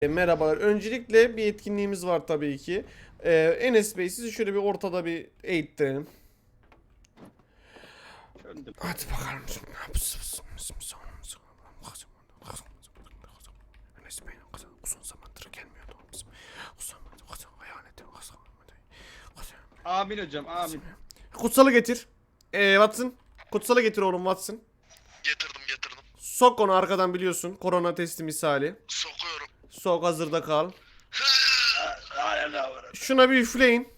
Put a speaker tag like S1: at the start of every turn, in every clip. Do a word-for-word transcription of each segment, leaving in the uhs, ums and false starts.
S1: E, merhabalar. Öncelikle bir etkinliğimiz var tabii ki. Ee, Enes Bey sizi şöyle bir ortada bir eğittirelim.
S2: Döndüm.
S1: Hadi bakalım. Enes Bey uzun zamandır gelmiyordu.
S2: Amin hocam, amin.
S1: Kutsalı getir. Ee, Watson. Kutsalı getir oğlum Watson.
S3: Getirdim getirdim.
S1: Sok onu arkadan biliyorsun. Korona testi misali.
S3: Sokuyorum.
S1: Sok hazırda kal. Şuna bir üfleyin.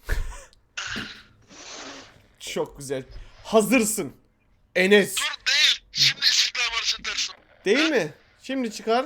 S1: Çok güzel. Hazırsın. Enes.
S3: Dur değil. Şimdi İstiklal Marşı dersin.
S1: Değil mi? Şimdi çıkar.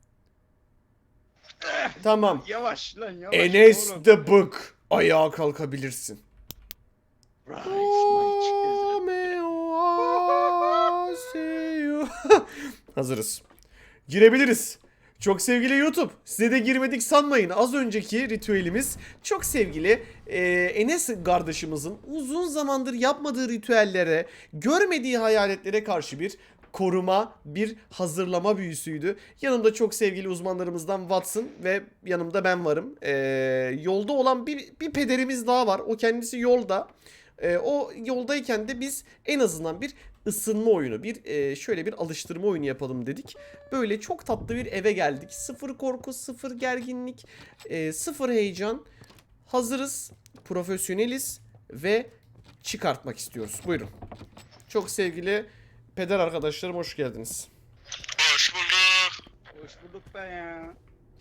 S1: Tamam.
S2: Yavaş lan yavaş.
S1: Enes
S2: oğlum.
S1: the Book. Ayağa kalkabilirsin.
S2: Rise, my children.
S1: Romeo, I see you. Hazırız. Girebiliriz. Çok sevgili YouTube, size de girmedik sanmayın. Az önceki ritüelimiz çok sevgili e, Enes kardeşimizin uzun zamandır yapmadığı ritüellere, görmediği hayaletlere karşı bir koruma, bir hazırlama büyüsüydü. Yanımda çok sevgili uzmanlarımızdan Watson ve yanımda ben varım. E, yolda olan bir, bir pederimiz daha var. O kendisi yolda. E, o yoldayken de biz en azından bir ısınma oyunu, bir e, şöyle bir alıştırma oyunu yapalım dedik. Böyle çok tatlı bir eve geldik. Sıfır korku, sıfır gerginlik, e, sıfır heyecan. Hazırız, profesyoneliz ve çıkartmak istiyoruz. Buyurun. Çok sevgili peder arkadaşlarım hoş geldiniz.
S3: Hoş bulduk.
S2: Hoş bulduk be ya.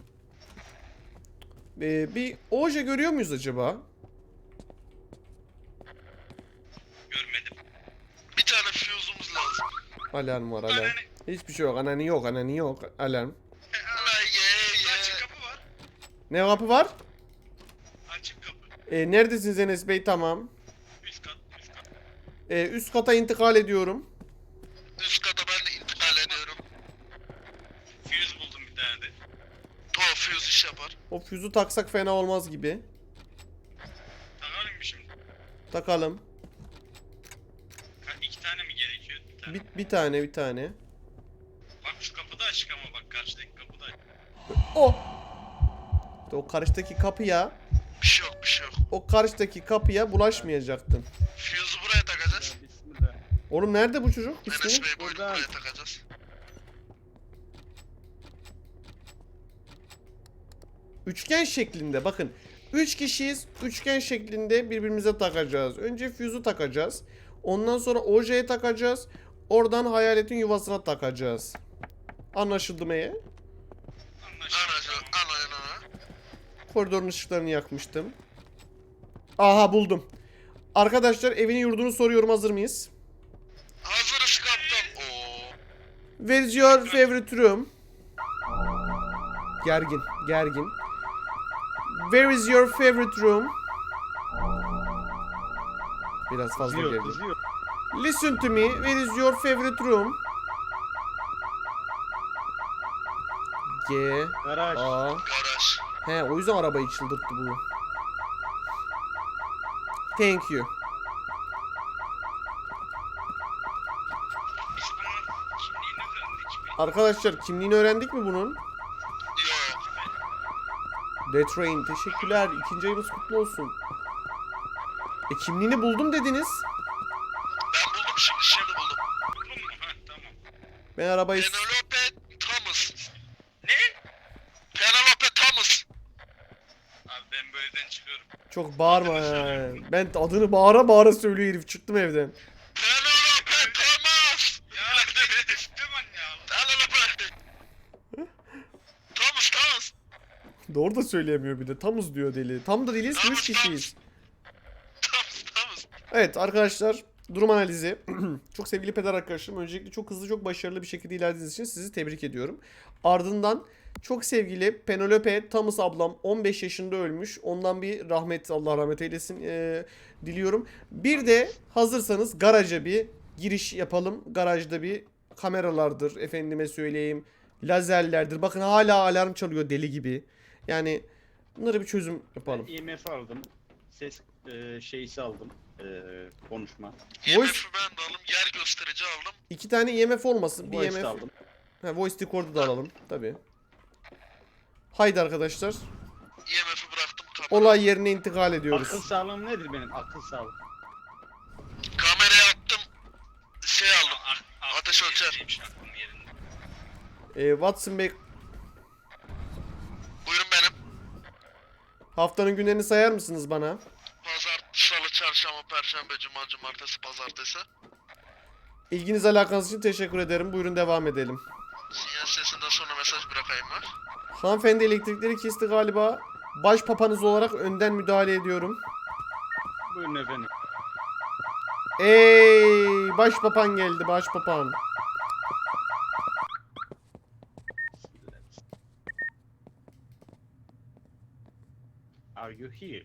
S1: E, bir oje görüyor muyuz acaba?
S3: Görmedim. Bir tane füzumuz lazım.
S1: Alarm var alarm. Hiçbir şey yok. Anani yok, anani yok. Alarm.
S3: Allah ye ye. Açık kapı var.
S1: Ne kapı var?
S3: Açık kapı.
S1: E, neredesiniz Enes Bey? Tamam.
S3: Üst kat üst kat.
S1: E, üst kata intikal ediyorum.
S3: Üst kata ben de intikal ediyorum. Füz buldum bir tane de. O füz iş yapar.
S1: O füzü taksak fena olmaz gibi.
S3: Takalım mı şimdi?
S1: Takalım.
S3: Ha, iki tane mi gerekiyor? Bir tane.
S1: Bir, bir tane bir tane.
S3: Bak şu kapı da açık ama bak karşıdaki kapı da açık.
S1: O. İşte o karşıdaki kapıya,
S3: Bir şey yok bir şey yok.
S1: o karşıdaki kapıya bulaşmayacaktın.
S3: Füzü buraya takacağız.
S2: Bismillah.
S1: Oğlum nerede bu çocuk?
S3: Enes
S1: İsmi?
S3: Bey buyurun
S2: Buradan.
S3: buraya takacağız.
S1: Üçgen şeklinde bakın. Üç kişiyiz. Üçgen şeklinde birbirimize takacağız. Önce füzü takacağız. Ondan sonra ojeye takacağız. Oradan hayaletin yuvasına takacağız. Anlaşıldı mı? ya?
S3: Anlaşıldı. Anlayın.
S1: Koridorun ışıklarını yakmıştım. Aha buldum. Arkadaşlar evini yurdunu soruyorum, hazır mıyız?
S3: Hazırız kaptan. Oo.
S1: Where is your favorite room? Gergin, gergin. Where is your favorite room? Biraz fazla
S2: Kızıyor,
S1: gergin.
S2: kızıyor.
S1: Listen to me. Where is your favorite room? G
S2: Garaj.
S1: A.
S3: Garaj.
S1: He, o yüzden arabayı çıldırttı bu. Thank you.
S3: Biz bunun kimliğini öğrendik mi?
S1: Arkadaşlar kimliğini öğrendik mi bunun?
S3: Yok.
S1: The Train. Teşekkürler. İkinci ayımız kutlu olsun. E kimliğini buldum dediniz.
S3: Ben buldum şimdi şimdi buldum. Buldun mu? Ha tamam.
S1: Ben arabayı...
S3: Penelope Thomas. Ne? Penelope Thomas. Abi ben bu evden çıkıyorum.
S1: Çok bağırma ya. Ben adını bağıra bağıra söylüyor herif. Çıktım evden.
S3: Penelope Thomas. Ya düştüm anne ya. Penelope. Thomas Thomas.
S1: Doğru da söyleyemiyor bir de. Tamız diyor deli. Tam da değiliz.
S3: Tamız,
S1: Üç kişiyiz.
S3: Thomas Thomas.
S1: Evet arkadaşlar. Durum analizi. Çok sevgili peder arkadaşlarım. Öncelikle çok hızlı, çok başarılı bir şekilde ilerlediğiniz için sizi tebrik ediyorum. Ardından çok sevgili Penelope Thomas ablam on beş yaşında ölmüş. Ondan bir rahmet, Allah rahmet eylesin ee, diliyorum. Bir de hazırsanız garaja bir giriş yapalım. Garajda bir kameralardır, efendime söyleyeyim, lazerlerdir. Bakın hala alarm çalıyor deli gibi. Yani bunlara bir çözüm yapalım.
S2: Ben I M F aldım. Ses e, şeysi aldım. E, konuşma.
S1: Voice-
S3: I M F'i ben de aldım. Yer gösterici aldım.
S1: İki tane I M F olmasın. Bir
S2: Voice
S1: I M F.
S2: aldım.
S1: Ha, voice record'u da alalım tabii. Haydi arkadaşlar.
S3: E M F'i bıraktım. Kamera.
S1: Olay yerine intikal ediyoruz.
S2: Akıl sağlığım nedir benim? Akıl sağlığım.
S3: Kamerayı attım. Şey aldım. Ateş ölçer.
S1: Ee, Watson Bey,
S3: Buyurun benim.
S1: haftanın günlerini sayar mısınız bana?
S3: Pazar, salı, çarşamba, perşembe, cuma, cumartesi, pazartesi.
S1: İlginiz alakanız için teşekkür ederim. Buyurun devam edelim.
S3: Sinyal sesinden sonra mesaj bırakayım mı?
S1: Hanımefendi elektrikleri kesti galiba. Baş papanız olarak önden müdahale ediyorum.
S2: Buyurun efendim.
S1: Ey, baş papan geldi, baş papan.
S2: Are you here?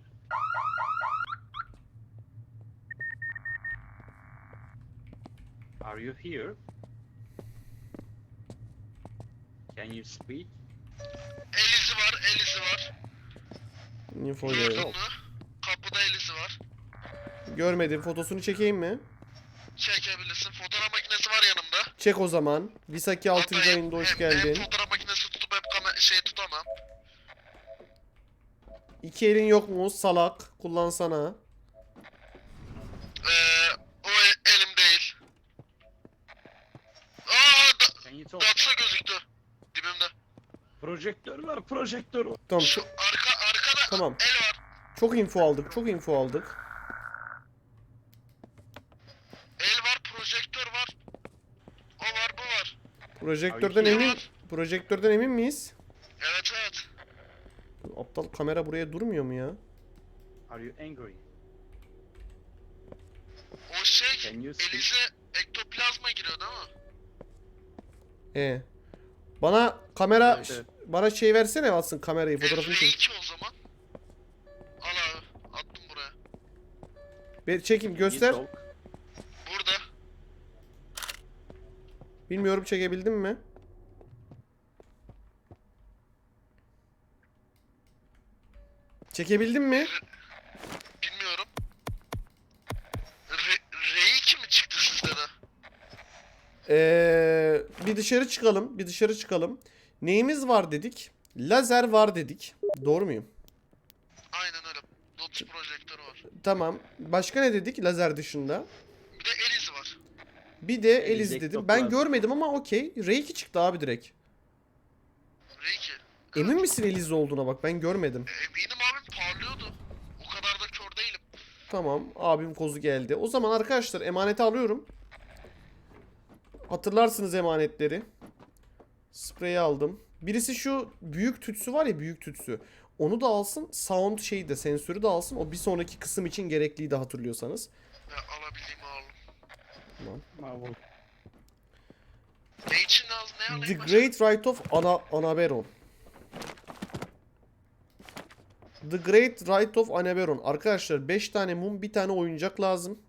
S2: Are you here? Can you speak?
S3: El izi var, el izi var.
S1: Info
S3: Gördün
S1: geliyor.
S3: mü? Kapıda el izi var.
S1: Görmedim. Fotosunu çekeyim mi?
S3: Çekebilirsin. Fotoğraf makinesi var yanımda.
S1: Çek o zaman. Visaki altıncı
S3: Hatta hem-
S1: ayında hoş
S3: hem-
S1: geldin.
S3: Hem fotoğraf makinesi tutup hem kamera şey tutamam.
S1: İki elin yok mu? Salak. Kullansana.
S3: Ee, o e- elim değil. Aa, da,
S2: Can you talk?
S3: Datsa gözüktü. Dibimde.
S2: Projektör var, projektör var.
S1: Tamam.
S3: Şu
S1: Çok,
S3: arka arkada
S1: Tamam.
S3: el var.
S1: çok info aldık. Çok info aldık.
S3: El var, projektör var. O var, bu var.
S1: Projektörden
S2: Abi,
S1: emin
S3: var.
S1: Projektörden emin miyiz?
S3: Evet evet.
S1: Aptal kamera buraya durmuyor mu ya?
S2: Are you angry?
S3: O şey
S2: Can you speak?
S3: elize ektoplazma giriyor değil mi?
S1: E. Bana kamera
S2: Evet, evet.
S1: bana şey versene Watson kamerayı,
S3: E,
S1: fotoğrafını çek.
S3: R iki o zaman. Al abi. Attım buraya.
S1: Bir çekim
S2: Can you
S1: göster.
S2: talk?
S3: Burada.
S1: Bilmiyorum çekebildim mi? Çekebildim mi?
S3: Bilmiyorum. R, R iki mi çıktı sizde de?
S1: Ee, bir dışarı çıkalım. Bir dışarı çıkalım. Neyimiz var dedik? Lazer var dedik. Doğru muyum?
S3: Aynen öyle. Dots projektörü var.
S1: Tamam. Başka ne dedik lazer dışında?
S3: Bir de el izi var.
S1: Bir de
S2: Eliz
S1: Eliz dedim.
S2: ektoplazma.
S1: Ben görmedim ama okey. R iki çıktı abi direkt.
S3: R iki.
S1: Emin misin Eliz olduğuna bak, ben görmedim.
S3: E, eminim abim parlıyordu. O kadar da kör değilim.
S1: Tamam, abim kozu geldi. O zaman arkadaşlar emaneti alıyorum. Hatırlarsınız emanetleri. Spreyi aldım. Birisi şu büyük tütsü var ya, büyük tütsü. Onu da alsın. Sound şeyi de, sensörü de alsın. O bir sonraki kısım için gerekliydi hatırlıyorsanız.
S3: Ya, alabildiğimi aldım.
S1: Tamam.
S2: Marvel.
S3: Ne için lazım? Ne alayım?
S1: The
S3: başka?
S1: Great Rite of Ana Anaberon. The Great Rite of Anaberon. Arkadaşlar beş tane mum, bir tane oyuncak lazım.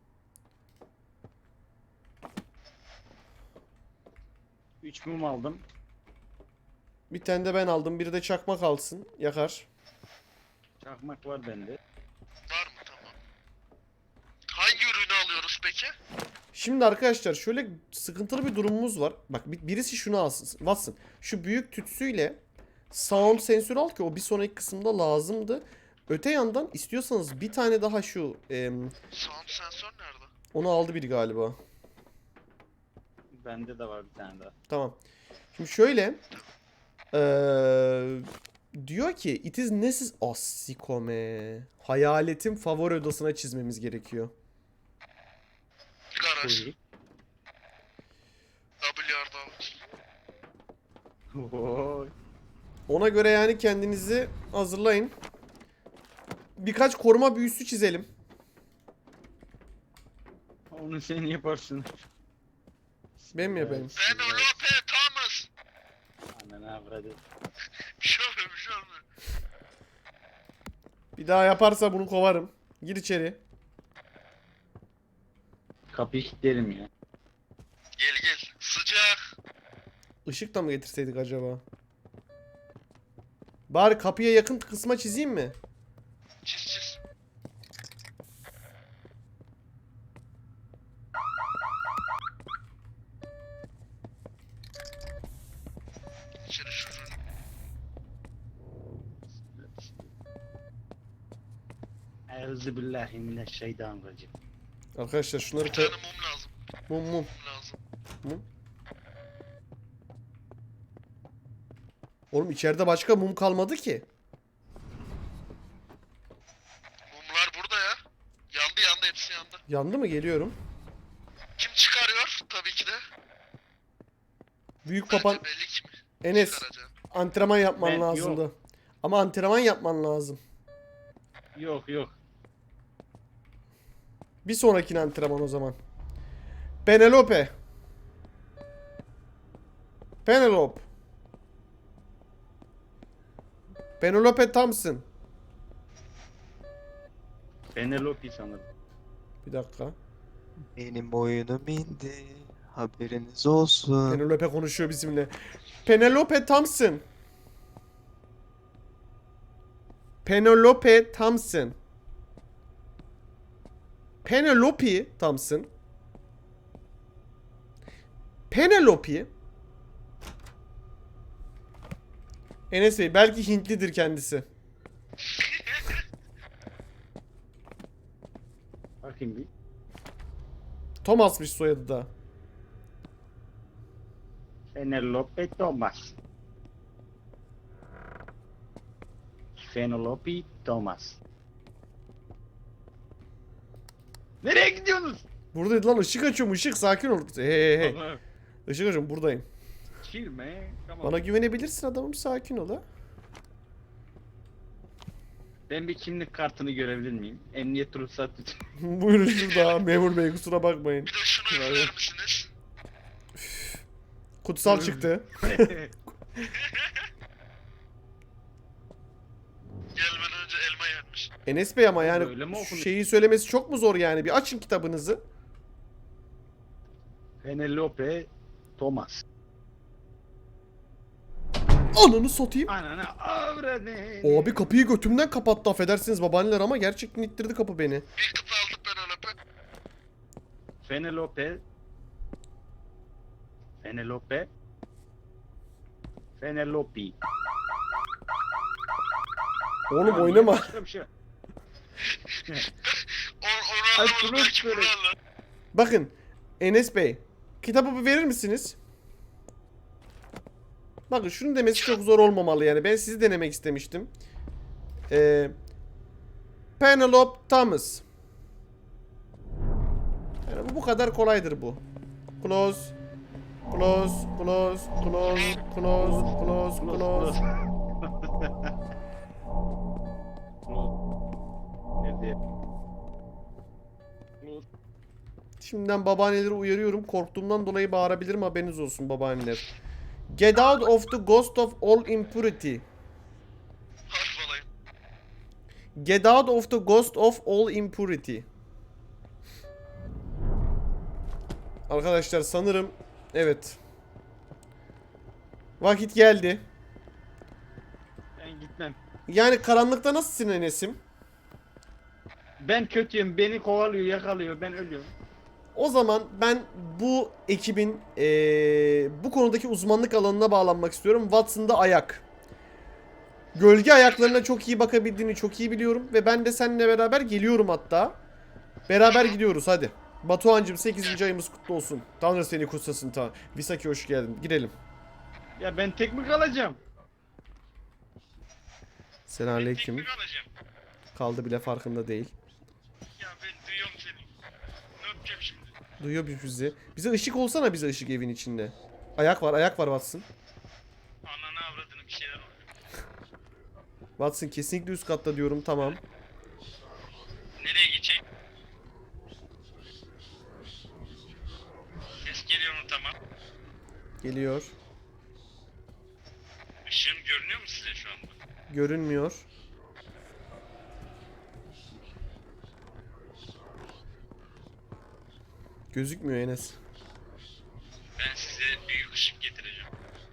S2: üç mum aldım.
S1: Bir tane de ben aldım. Biri de çakmak alsın. Yakar.
S2: Çakmak var bende.
S3: Var mı? Tamam. Hangi ürünü alıyoruz peki?
S1: Şimdi arkadaşlar şöyle sıkıntılı bir durumumuz var. Bak bir- birisi şunu alsın. Watson. Şu büyük tütsüyle sound sensörü al ki o bir sonraki kısımda lazımdı. Öte yandan istiyorsanız bir tane daha şu em,
S3: Sound sensör nerede?
S1: onu aldı biri galiba.
S2: Bende de var bir tane daha.
S1: Tamam. Şimdi şöyle eee, diyor ki it is necessary asikome. Hayaletin favori odasına çizmemiz gerekiyor.
S3: Garaj.
S2: Koyu.
S3: W R Davut.
S2: Oy.
S1: Ona göre yani kendinizi hazırlayın. Birkaç koruma büyüsü çizelim.
S2: Onu sen yaparsın.
S1: Ben mi yapayım?
S3: Ben Lope Thomas.
S2: Annen avradı.
S3: Bir şey olmuyor, bir şey olmuyor.
S1: Bir daha yaparsa bunu kovarım. Gir içeri.
S2: Kapıyı kilitlerim ya.
S3: Gel gel. Sıcak.
S1: Işık da mı getirseydik acaba? Bari kapıya yakın kısma çizeyim mi?
S3: Çiz çiz. İçeri şuraya.
S2: Euzubillahimineşşeytanirracim.
S1: Arkadaşlar şunları
S3: Bir
S1: koy...
S3: tane mum lazım.
S1: Mum mum.
S3: Mum lazım.
S1: Mum. Oğlum içeride başka mum kalmadı ki.
S3: Mumlar burada ya. Yandı yandı hepsi yandı.
S1: Yandı mı? Geliyorum.
S3: Kim çıkarıyor? Tabii ki de.
S1: Büyük
S3: Bence
S1: papan
S3: belli ki mi?
S1: Enes
S3: Çıkaracağım.
S1: antrenman yapman
S2: Ben-
S1: lazımdı. Ama antrenman yapman lazım.
S2: Yok yok.
S1: Bir sonrakine antrenman o zaman. Penelope. Penelope. Penelope Thompson.
S2: Penelope sanırım.
S1: Bir dakika.
S4: Benim oyunum indi. Haberiniz olsun.
S1: Penelope konuşuyor bizimle. Penelope Thompson. Penelope Thompson. Penelope Thompson. Penelope. Enes Bey belki Hintlidir kendisi.
S2: Bakayım bir.
S1: Thomas'mış soyadı da.
S2: Penelope Thomas. Penelope Thomas. Nereye gidiyorsunuz?
S1: Buradaydı lan, ışık açıyorum, ışık, sakin ol. Hey hey hey.
S2: Baba,
S1: Işık açıyorum, buradayım.
S2: chill man. Come on.
S1: Bana güvenebilirsin adamım, sakin ol ha.
S2: Ben bir kimlik kartını görebilir miyim? Emniyet ruhsat için.
S1: Buyurun şurada memur bey, kusura bakmayın.
S3: Bir de şunu
S2: Vay be.
S3: üfler misiniz?
S1: Kutsal çıktı.
S3: Gelmeden önce elma yenmiş.
S1: Enes Bey ama
S2: Öyle
S1: yani
S2: mi okunuyor?
S1: şeyi söylemesi çok mu zor yani? Bir açın kitabınızı.
S2: Penelope Thomas.
S1: Ananı satayım.
S2: Anana avradı.
S1: Abi kapıyı götümden kapattı, affedersiniz babaanneler ama gerçekten ittirdi kapı beni.
S3: Bir kıta aldık Penelope.
S2: Penelope. Penelope. Penelope.
S1: Oğlum
S2: Tamam,
S1: oynama.
S2: başka bir şey.
S3: Or
S2: Ay,
S3: Oral'la
S2: şunu
S3: belki
S2: söyle.
S3: Oral'la.
S1: Bakın Enes Bey, kitabı bir verir misiniz? Bakın şunu demesi çok zor olmamalı yani. Ben sizi denemek istemiştim. Ee, Penelope Thomas. Yani bu bu kadar kolaydır bu. Close. Close, close, close, close, close, close.
S2: Nerede?
S1: Şimdiden babaanneleri uyarıyorum. Korktuğumdan dolayı bağırabilirim, haberiniz olsun babaanneler. Get out of the ghost of all impurity.
S3: Harf alayım.
S1: Get out of the ghost of all impurity. Arkadaşlar sanırım evet. Vakit geldi.
S2: Ben gitmem.
S1: Yani karanlıkta nasılsın Enes'im?
S2: Ben kötüyüm. Beni kovalıyor, yakalıyor. Ben ölüyorum.
S1: O zaman ben bu ekibin eee, bu konudaki uzmanlık alanına bağlanmak istiyorum. Watson'da ayak. Gölge ayaklarına çok iyi bakabildiğini çok iyi biliyorum. Ve ben de seninle beraber geliyorum hatta. Beraber gidiyoruz hadi. Batuhan'cığım sekizinci ayımız kutlu olsun. Tanrı seni kutsasın ta. Visaki hoş geldin. Girelim.
S2: Ya ben tek mi kalacağım?
S1: Selamünaleyküm.
S3: Teknik alacağım.
S1: Kaldı bile farkında değil.
S3: Ya ben duyuyorum seni. Ne yapacağım şimdi?
S1: Duyuyor bir bizi. Bize ışık olsana, bize ışık evin içinde. Ayak var, ayak var Watson.
S3: Ananı avradını bir şeyler oluyor.
S1: Watson kesinlikle üst katta diyorum, tamam.
S3: Nereye gidecek? Ses geliyor mu, tamam.
S1: Geliyor.
S3: Işığım görünüyor mu size şu anda?
S1: Görünmüyor. Gözükmüyor Enes.
S3: Ben size büyük ışık getireceğim.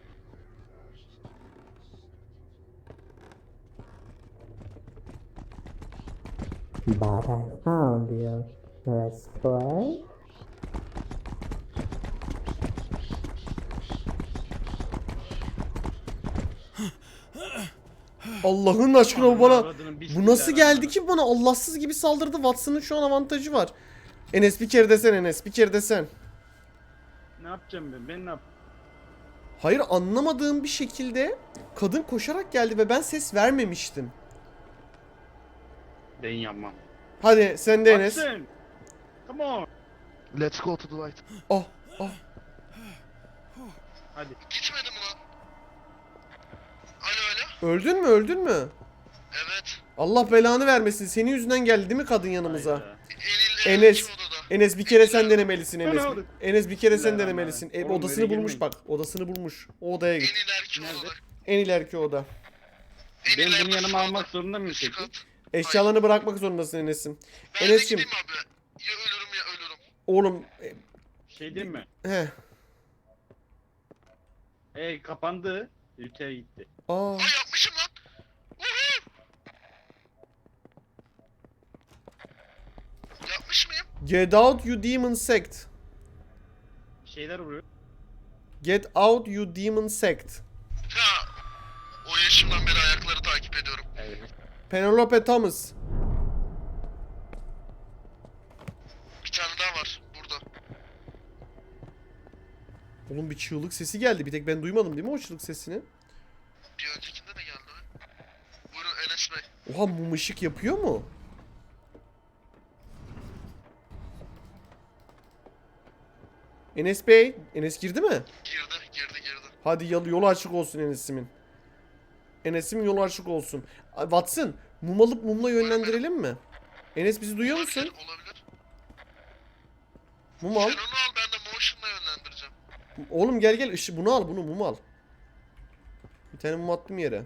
S5: But I found you. Let's play.
S1: Allah'ın aşkına bu
S2: Ananı
S1: bana...
S2: avradının
S1: Bu
S2: bismillah
S1: nasıl geldi
S2: rahmanirrahim.
S1: ki bana? Allahsız gibi saldırdı. Watson'ın şu an avantajı var. Enes bir kere desen Enes. Bir kere desen.
S2: Ne yapacağım ben? Ben ne yap?
S1: Hayır, anlamadığım bir şekilde kadın koşarak geldi ve ben ses vermemiştim.
S2: Ben yapmam.
S1: Hadi sen de Enes.
S2: Watson! Come on!
S4: Let's go to the light.
S1: Ah ah.
S2: Hadi.
S3: Gitmedi mi lan? Alo alo.
S1: Öldün mü öldün mü?
S3: Evet.
S1: Allah belanı vermesin. Senin yüzünden geldi değil mi kadın yanımıza?
S2: Hayda.
S3: Enil
S1: Enes.
S3: iki odada.
S1: Enes bir kere sen denemelisin Enes.
S2: Ne oldu?
S1: Enes bir kere sen
S2: Bismillahirrahmanirrahim.
S1: denemelisin. E,
S2: Oğlum,
S1: odasını
S2: öyle
S1: bulmuş
S2: girmeyin.
S1: bak. Odasını bulmuş. O odaya git.
S3: Enil erki
S2: Nerede?
S3: odada.
S1: En ileriki oda.
S2: Ben
S3: Enil
S2: bunu
S3: erki
S2: yanıma
S3: odada.
S2: almak zorunda mıyım
S3: Üst
S2: peki?
S3: kat.
S1: Eşyalarını bırakmak zorundasın Enes'im.
S3: Ben de
S1: Enes'cim.
S3: gideyim abi. Ya ölürüm ya ölürüm.
S1: Oğlum. e,
S2: Şey değil mi?
S1: He.
S2: E kapandı. Ülke gitti.
S1: Aa.
S3: Ay yapmışım lan. Uhu. Yapmış mıyım?
S1: Get out you demon sect.
S2: Şeyler vuruyor.
S1: Get out you demon sect.
S3: Ya. O yaşımdan beri ayakları takip ediyorum.
S2: Evet.
S1: Penelope Thomas.
S3: Bir tane daha var burada.
S1: Oğlum bir çığlık sesi geldi. Bir tek ben duymadım değil mi o çığlık sesini?
S3: Bir öncekinde de geldi. Buyurun Enes Bey.
S1: Oha, mum ışık yapıyor mu? Enes Bey. Enes girdi mi?
S3: Girdi girdi girdi.
S1: Hadi yol, yolu açık olsun Enes'imin. Enes'im yolu açık olsun. Ay, Watson, mum alıp mumla yönlendirelim mi? Enes bizi duyuyor musun?
S3: Olabilir olabilir.
S1: Mum
S3: Sen
S1: al.
S3: onu al ben de motion'la yönlendireceğim.
S1: Oğlum gel gel, ışı bunu al, bunu mum al. Bir tane mum attım yere.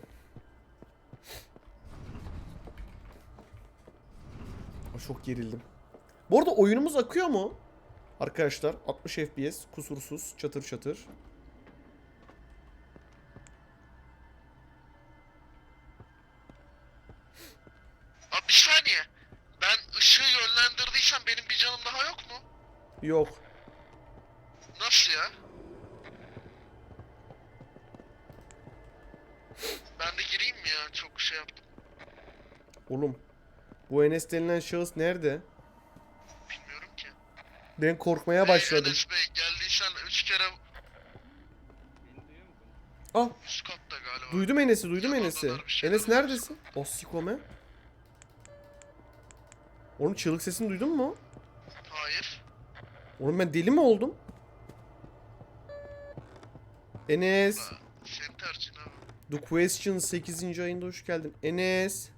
S1: Aa, çok gerildim. Bu arada oyunumuz akıyor mu? Arkadaşlar altmış F P S kusursuz, çatır çatır.
S3: Abi bir saniye. Ben ışığı yönlendirdiysem benim bir canım daha yok mu?
S1: Yok.
S3: Nasıl ya? Ben de gireyim mi ya? Çok şey yaptım.
S1: Oğlum bu Enes denilen şahıs nerede?
S3: Bilmiyorum ki.
S1: Ben korkmaya
S3: Hey,
S1: başladım.
S3: Enes Bey geldiysen üç kere
S2: Beni duyuyor musun?
S1: Ah,
S3: üst katta galiba.
S1: duydum Enes'i, duydum
S3: Yalanlar
S1: Enes'i.
S3: bir şeyler
S1: Enes neredesin? O sikome. Oğlum çığlık sesini duydun mu?
S3: Hayır.
S1: Oğlum ben deli mi oldum? Enes.
S3: Ha, senin tercihin abi.
S1: The Question sekizinci ayında hoş geldin. Enes.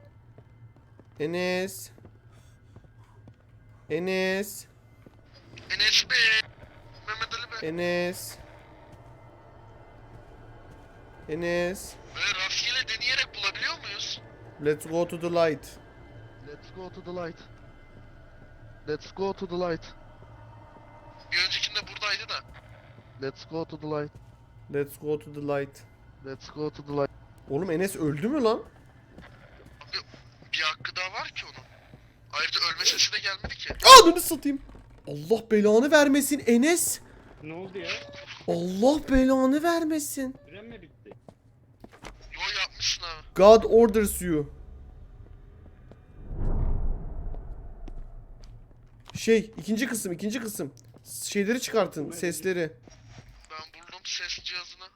S1: Enes. Enes.
S3: Enes Bey. Mehmet Ali Bey.
S1: Enes. Enes.
S3: Böyle rastgele deneyerek bulabiliyor muyuz?
S1: Let's go to the light.
S4: Let's go to the light. Let's go to the light.
S3: Bir öncekinde buradaydı da.
S4: Let's go to the light.
S1: Let's go to the light.
S4: Let's go to the light.
S1: Oğlum Enes öldü mü lan?
S3: Abi bir hakkı daha var ki onun. Ayrıca ölme sesi de gelmedi ki.
S1: Ananı satayım. Allah belanı vermesin Enes.
S2: Ne oldu ya?
S1: Allah belanı vermesin.
S2: Süren mi bitti?
S3: Yo yapmışsın abi.
S1: God orders you. Şey, ikinci kısım, ikinci kısım. Şeyleri çıkartın, sesleri.
S3: Ben buldum ses cihazını.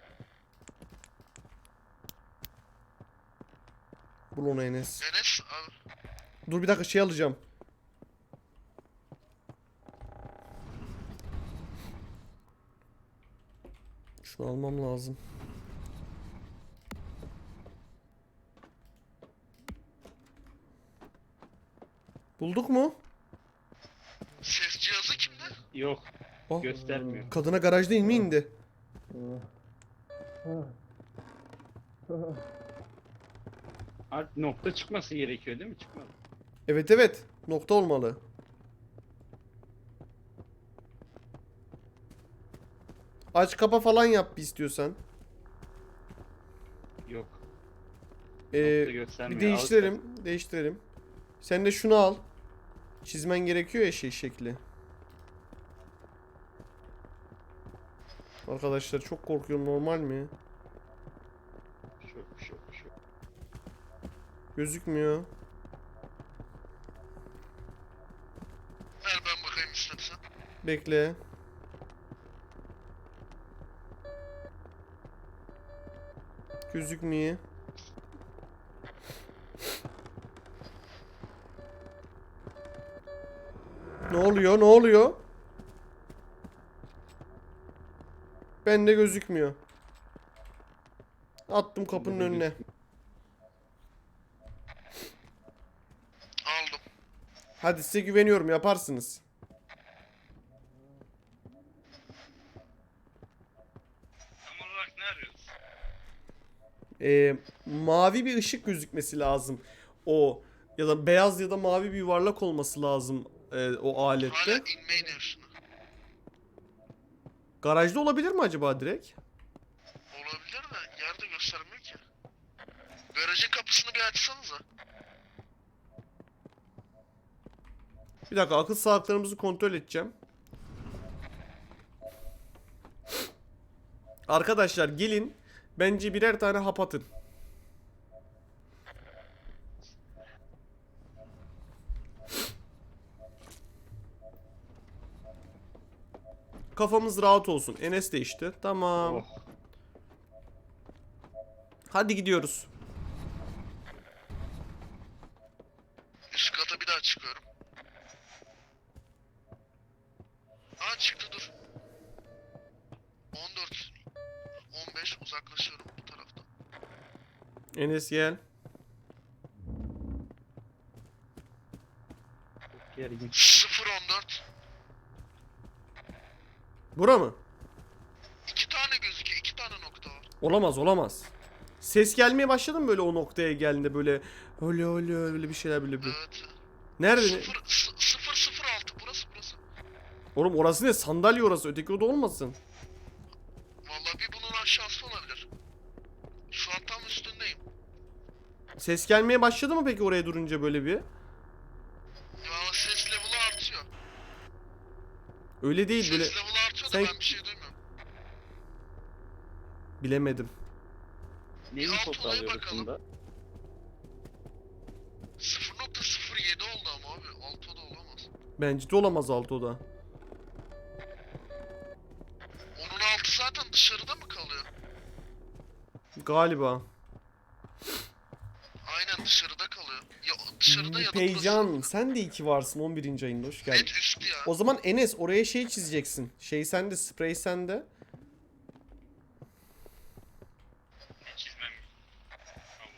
S1: Bul onu Enes.
S3: Enes abi.
S1: Dur bir dakika, şey alacağım. Şunu almam lazım. Bulduk mu?
S3: Ses cihazı kimde?
S2: Yok.
S1: Ah,
S2: Göstermiyor.
S1: kadına garaj değil mi indi?
S2: Artık nokta çıkması gerekiyor değil mi? Çıkmadı.
S1: Evet evet, nokta olmalı. Aç kapa falan yap bir istiyorsan.
S2: Yok.
S1: Ee,
S2: Nokta göstermiyor.
S1: bir değiştirelim, değiştirelim. Sen de şunu al. Çizmen gerekiyor ya şey şekli. Arkadaşlar çok korkuyorum, normal mi?
S2: Şu, şu, şu.
S1: Gözükmüyor.
S4: Ver ben bakayım istersen.
S1: Bekle. Gözükmüyor. Ne oluyor? Ne oluyor? Bende gözükmüyor. Attım kapının
S2: Bende
S1: önüne.
S4: Aldım.
S1: Hadi size güveniyorum, yaparsınız.
S3: Tam olarak ne arıyoruz?
S1: Ee, mavi bir ışık gözükmesi lazım. O ya da beyaz ya da mavi bir yuvarlak olması lazım e, o
S4: Hala
S1: alette.
S4: inme iniyorsun.
S1: Garajda olabilir mi acaba direkt?
S4: Olabilir de yerde göstermiyor ki. Garajın kapısını bir açsanıza.
S1: Bir dakika, akıl sağlıklarımızı kontrol edeceğim. Arkadaşlar gelin. Bence birer tane hap atın. Kafamız rahat olsun. Enes de işte. Tamam.
S2: Oh.
S1: Hadi gidiyoruz.
S4: Üst kata bir daha çıkıyorum. Aa çıktı dur. on dört on beş uzaklaşıyorum bu taraftan.
S1: Enes gel.
S2: Çok gergin.
S4: sıfır on dört.
S1: Bura mı?
S4: İki tane gözüküyor. iki tane nokta var.
S1: Olamaz, olamaz. Ses gelmeye başladı mı böyle o noktaya geldiğinde böyle öyle öyle öyle bir şeyler böyle bir.
S4: Evet.
S1: Nerede? ne?
S4: sıfır sıfır sıfır altı burası burası.
S1: Oğlum orası ne? Sandalye orası. Öteki oda olmasın.
S4: Vallahi bir bunun aşağısı olabilir. Şu an tam üstündeyim.
S1: Ses gelmeye başladı mı peki oraya durunca böyle bir?
S4: Ya ses level'ı artıyor.
S1: Öyle değil
S4: Ses
S1: böyle.
S4: level'ı artıyor da
S1: Sen-
S4: ben bir şey duymuyorum.
S1: Bilemedim.
S2: Neyi
S4: Bir alt
S2: info
S4: olaya
S2: alıyoruz
S4: bakalım.
S2: bunda?
S4: sıfır nokta sıfır yedi oldu ama abi. Altı da olamaz.
S1: Bence de olamaz alt oda.
S4: Onun altı zaten dışarıda mı kalıyor?
S1: Galiba.
S4: Aynen dışarıda kalıyor. Ya dışarıda ya da
S1: Peycan
S4: burası.
S1: sen de iki varsın on birinci ayında, hoş geldin.
S4: Net üstü ya.
S1: O zaman Enes oraya şey çizeceksin. Şey sende, sprey sende.
S3: Ne çizmem? Tamam.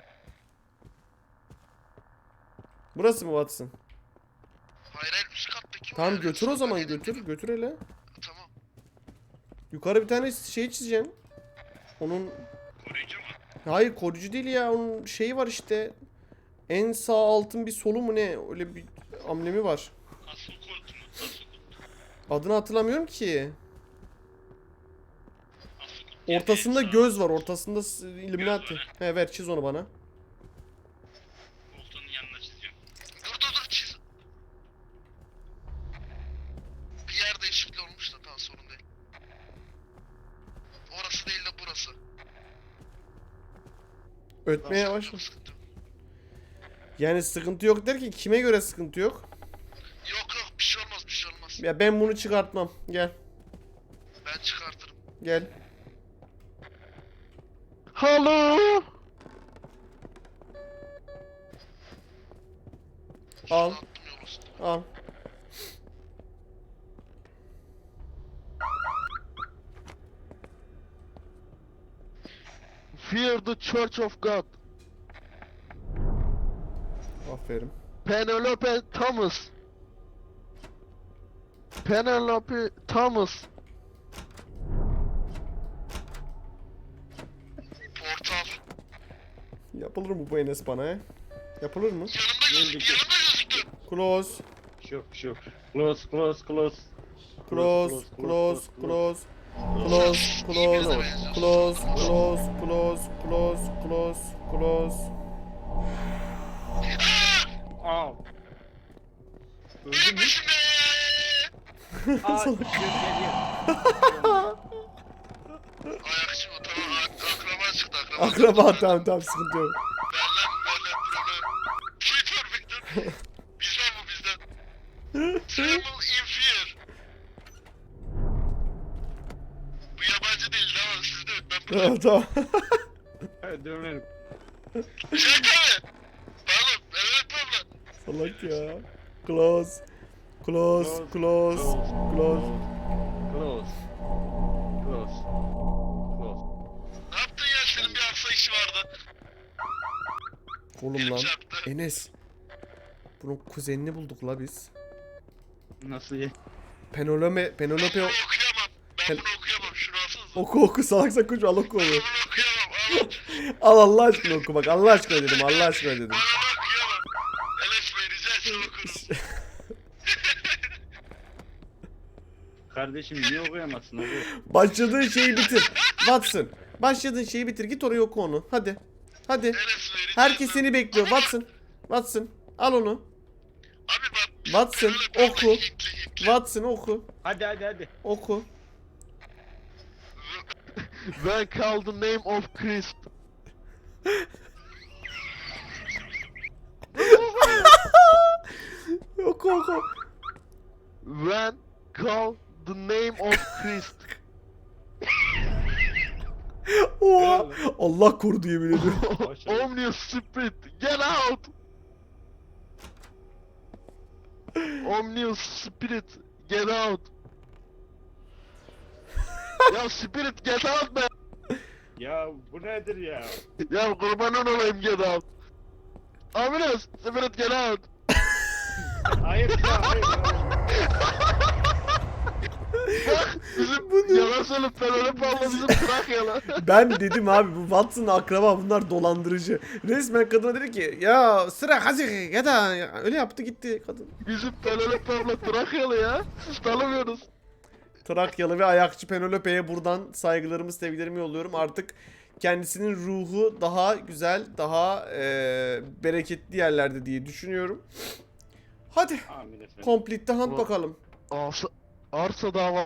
S1: Burası mı Watson?
S4: Hayır hayır üst kattaki o
S1: Tamam
S4: yani.
S1: götür o zaman,
S4: Sandalyenin
S1: götür
S4: dibi.
S1: götür hele.
S4: Tamam.
S1: Yukarı bir tane şey çizeceksin. Onun
S3: Koruyucu mu?
S1: hayır koruyucu değil ya, onun şeyi var işte. En sağ altın bir solu mu ne, öyle bir amblemi var.
S3: Asıl kod mu? Asıl kod.
S1: Adını hatırlamıyorum ki.
S3: Asıl kod.
S1: Ortasında
S3: Yani
S1: göz var, ortasında s- Illuminati.
S3: var,
S1: He ver, çiz onu bana.
S3: Koltuğun yanına çiziyorum.
S4: Dur dur dur çiz. Bir yer değişikliği olmuş da tamam sorun değil. Orası değil de burası.
S1: Ötmeye
S4: Sıkıntı
S1: başla.
S4: yok, sıkıntı yok.
S1: Yani sıkıntı yok derken kime göre sıkıntı yok?
S4: Yok yok bir şey olmaz bir şey olmaz.
S1: Ya ben bunu çıkartmam. Gel.
S4: Ben çıkartırım.
S1: Gel.
S4: Hello.
S1: Al.
S4: Attım yol üstüne.
S1: Al.
S4: Fear the Church of God.
S1: Aferin.
S4: Penelope Thomas. Penelope Thomas. Portal.
S1: Yapılır mı bu Enes bana he? Yapılır mı?
S4: Yanımda
S2: Geldik.
S4: gözüktü, yanımda gözüktü.
S1: Close.
S2: Bir şey yok, bir şey yok. Close, close, close.
S1: Close, close, close. Close, close, close, close, close, close, close, close.
S2: Aa! Öldün
S4: Benim
S2: mü?
S4: peşimde.
S2: Aa, geliyor, geliyor.
S4: Ayakçı bu tamam ak- akraba çıktı akraba.
S1: Akraba, tamam tamam, sıkıntı yok.
S4: Benden benden Bizden bu bizden. Tremble in fear. Bu yabancı değil tamam sizde yok ben burada.
S1: Tamam tamam.
S2: Hadi dönelim.
S4: Şaka mı? Pardon evet abla.
S1: Salak ya. Close. Close. Close. Close.
S2: Close. Close. Close.
S4: Ne yaptın ya senin bir arsa işi vardı.
S1: Oğlum
S4: Elim
S1: lan.
S4: çarptı.
S1: Enes. Bunun kuzenini bulduk la biz.
S2: Nasıl ye?
S1: Penelope,
S4: Ben
S1: Penelope
S4: bunu okuyamam. Ben
S1: Pel-
S4: bunu okuyamam. Şunu alsanıza.
S1: oku oku salak salak konuş al oku onu.
S4: Ben bunu okuyamam.
S1: Al
S4: Al.
S1: Allah aşkına oku bak Allah aşkına dedim Allah aşkına dedim.
S4: Ben onu okuyamam. Enes Bey rica etsem okuruz.
S2: Kardeşim niye okuyamazsın abi?
S1: Başladığın şeyi bitir. Watson. Başladığın şeyi bitir git oraya oku onu. Hadi. Hadi.
S4: Enes Bey rica
S1: Herkes
S4: etsem.
S1: seni bekliyor Watson. Watson al onu.
S4: Abi bak. biz
S1: Watson,
S4: böyle
S1: oku.
S4: böyle Hintli Hintli.
S1: Watson oku.
S2: Hadi hadi hadi.
S1: Oku.
S6: When call the name of Christ.
S1: Oku oku.
S6: When call the name of Christ.
S1: Oha. Allah korudu yemin ediyorum.
S2: Başarılı.
S6: Omnius Spirit, get out! Omnius Spirit, get out! Ya Spirit get out be!
S2: Ya bu nedir ya?
S6: Ya kurbanın olayım get out! Omnius Spirit get out!
S2: Hayır ya hayır. hayır.
S6: Bak bizim
S1: Bu ne?
S6: yalan söyleyip Penelope abla bizim Trakyalı.
S1: Ben dedim abi bu Watson akraba bunlar dolandırıcı. Resmen kadına dedi ki ya sıra hazır ya da öyle yaptı gitti kadın.
S6: Bizim Penelope abla Trakyalı ya. Siz tanımıyorsunuz.
S1: Trakyalı ve ayakçı Penelope'ye buradan saygılarımı sevgilerimi yolluyorum. Artık kendisinin ruhu daha güzel, daha eee, bereketli yerlerde diye düşünüyorum. Hadi
S2: Amin efendim.
S1: complete the hunt
S6: Ulan.
S1: bakalım.
S6: Arsa, arsa dava.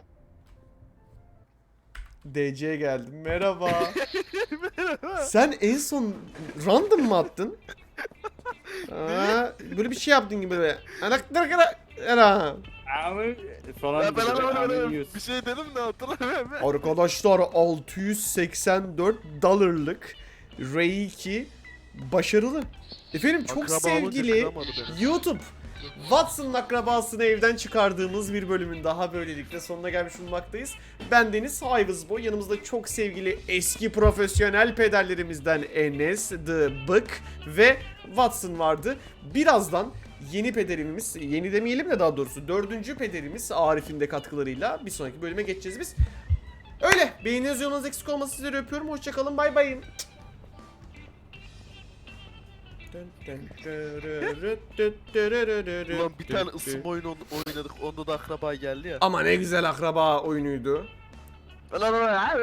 S1: D C'ye geldim. Merhaba. Sen en son random mı attın? Aa, böyle bir şey yaptın gibi böyle. Anaklar kara. Era.
S2: Amin falan.
S6: Ya ben
S2: gibi,
S6: hemen
S2: amin
S6: öyle
S2: diyorsun.
S6: bir şey dedim de hatırlamıyorum.
S1: Arkadaşlar altı yüz seksen dört dolarlık R iki başarılı. Efendim çok
S6: Akraba olunca
S1: sevgili
S6: kıramadı beni.
S1: YouTube. Watson'ın akrabasını evden çıkardığımız bir bölümün daha böylelikle sonuna gelmiş bulunmaktayız. Ben Deniz Hayvızboy. Yanımızda çok sevgili eski profesyonel pederlerimizden Enes, The Bık ve Watson vardı. Birazdan yeni pederimiz, yeni demeyelim de daha doğrusu dördüncü pederimiz Arif'in de katkılarıyla bir sonraki bölüme geçeceğiz biz. Öyle. Beğeniniz yorunuz eksik olmasın, sizleri öpüyorum. Hoşçakalın. Bay bay.
S6: Ulan bir tane ısınma oyunu oynadık. Onda da akraba geldi ya.
S1: Ama ne güzel akraba oyunuydu.
S6: Lan lan lan.